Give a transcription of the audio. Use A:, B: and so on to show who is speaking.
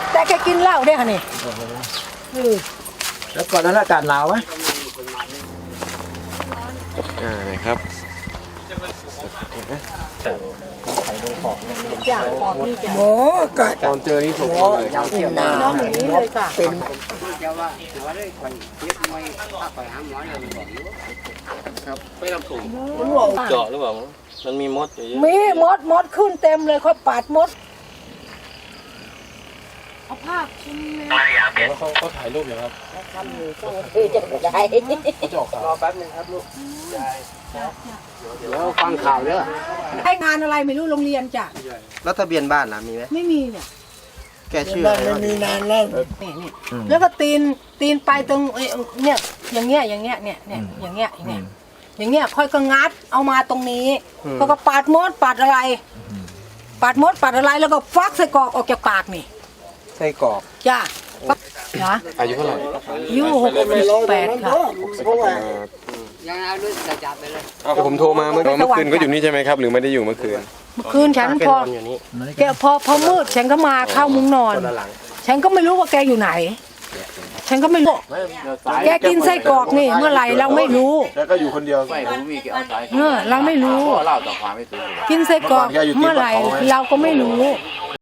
A: แต่แกกินเหล้าได้ค่ะนี่
B: แล้วก่อนนั้นอากาศหนาวไหม
C: นะครับ
A: โอ้ก็
C: ตอนเจอนี่ถูกเลยครับ
A: น้องหนูนี้เลยค่ะเป็น
C: ไม่ทำถุงเจาะหรือเปล่ามันมีมดอยู่เยอะ
A: มีมดขึ้นเต็มเลยเขาปาดมดเอาผ้าคลุมเลย
C: เขาถ่ายรูปอยู่ครับ
A: จะได้
C: เขาจะออกข่าวรอแป๊บนึงครับลูก
B: แล้วฟังข่าวเยอะ
A: ให้งานอะไรไม่รู้โรงเรียนจ้ะ
D: แล้วทะเบียนบ้านนะมีไหม
A: ไม่มีเนี่ย
D: แกชื่ออะไรวะ
A: มีนานแล้วนี่แล้วก็ตีนไปตรงเนี่ยอย่างเงี้ยเนี่ยอย่างเงี้ยอย่างเงี้ยค่อยก็งัดเอามาตรงนี้เขาก็ปาดมดปาดอะไรแล้วก็ฟักใส่กรอกออกจากปากนี่
D: ไส้กรอก
A: จ้านะ
C: อายุเท่าไหร่
A: อายุ68ค่ะ
C: แต่ผมโทรมาเมื่อคืนก็อยู่นี่ใช่ไหมครับหรือไม่ได้อยู่เมื่อคืน
A: เมื่อคืนฉัน
D: แก
A: พ
D: น
A: อ
D: อนอยู่นี่
A: แกพอมืดฉันก็มาเข้ามุ้งนอน
D: คนละหลัง
A: ฉันก็ไม่รู้ว่าแกอยู่ไหน ฉันก็ไม่รู้แกกินไส้กรอกนี่เมื่อไหร่เราไม่รู้
B: แล้วก็อยู่คนเดียว
A: เราไม่รู้ กินไส้กรอกเมื่อไหร่เราก็ไม่รู้